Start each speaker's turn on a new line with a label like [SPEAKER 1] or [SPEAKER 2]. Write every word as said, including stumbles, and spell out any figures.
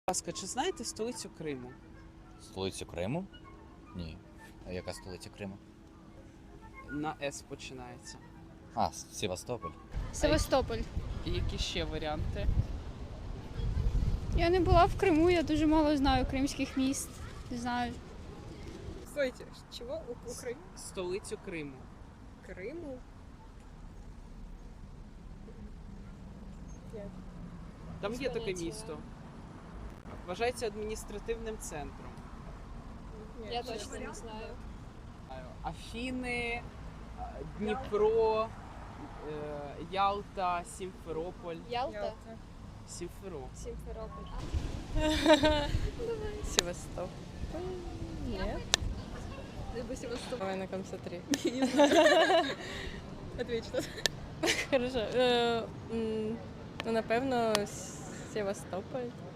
[SPEAKER 1] ласка, чи знаєте столицю Криму?
[SPEAKER 2] Столицю Криму? Ні. А яка столиця Криму?
[SPEAKER 1] На С починається.
[SPEAKER 2] А, Севастополь.
[SPEAKER 3] Севастополь.
[SPEAKER 1] І які ще варіанти?
[SPEAKER 3] Я не була в Криму, я дуже мало знаю кримських міст. Не знаю.
[SPEAKER 4] Стойте, чего? У- Украины?
[SPEAKER 1] Столицю Криму.
[SPEAKER 4] Крыму? Нет.
[SPEAKER 1] Там
[SPEAKER 4] Без
[SPEAKER 1] є таке
[SPEAKER 4] поняття.
[SPEAKER 1] місто. Вважається адміністративним центром.
[SPEAKER 4] Нет,
[SPEAKER 5] Я
[SPEAKER 4] честно.
[SPEAKER 5] точно не знаю.
[SPEAKER 1] Афіни, Дніпро, е, Ялта, Сімферополь.
[SPEAKER 5] Ялта?
[SPEAKER 4] Ялта.
[SPEAKER 1] Сімферополь.
[SPEAKER 5] Симферополь.
[SPEAKER 6] Севастополь. Нет.
[SPEAKER 4] Либо Севастополь.
[SPEAKER 6] Давай на конце три.
[SPEAKER 4] Ответь что-то.
[SPEAKER 6] Хорошо. Е, м, Ну, напевно, Севастополь.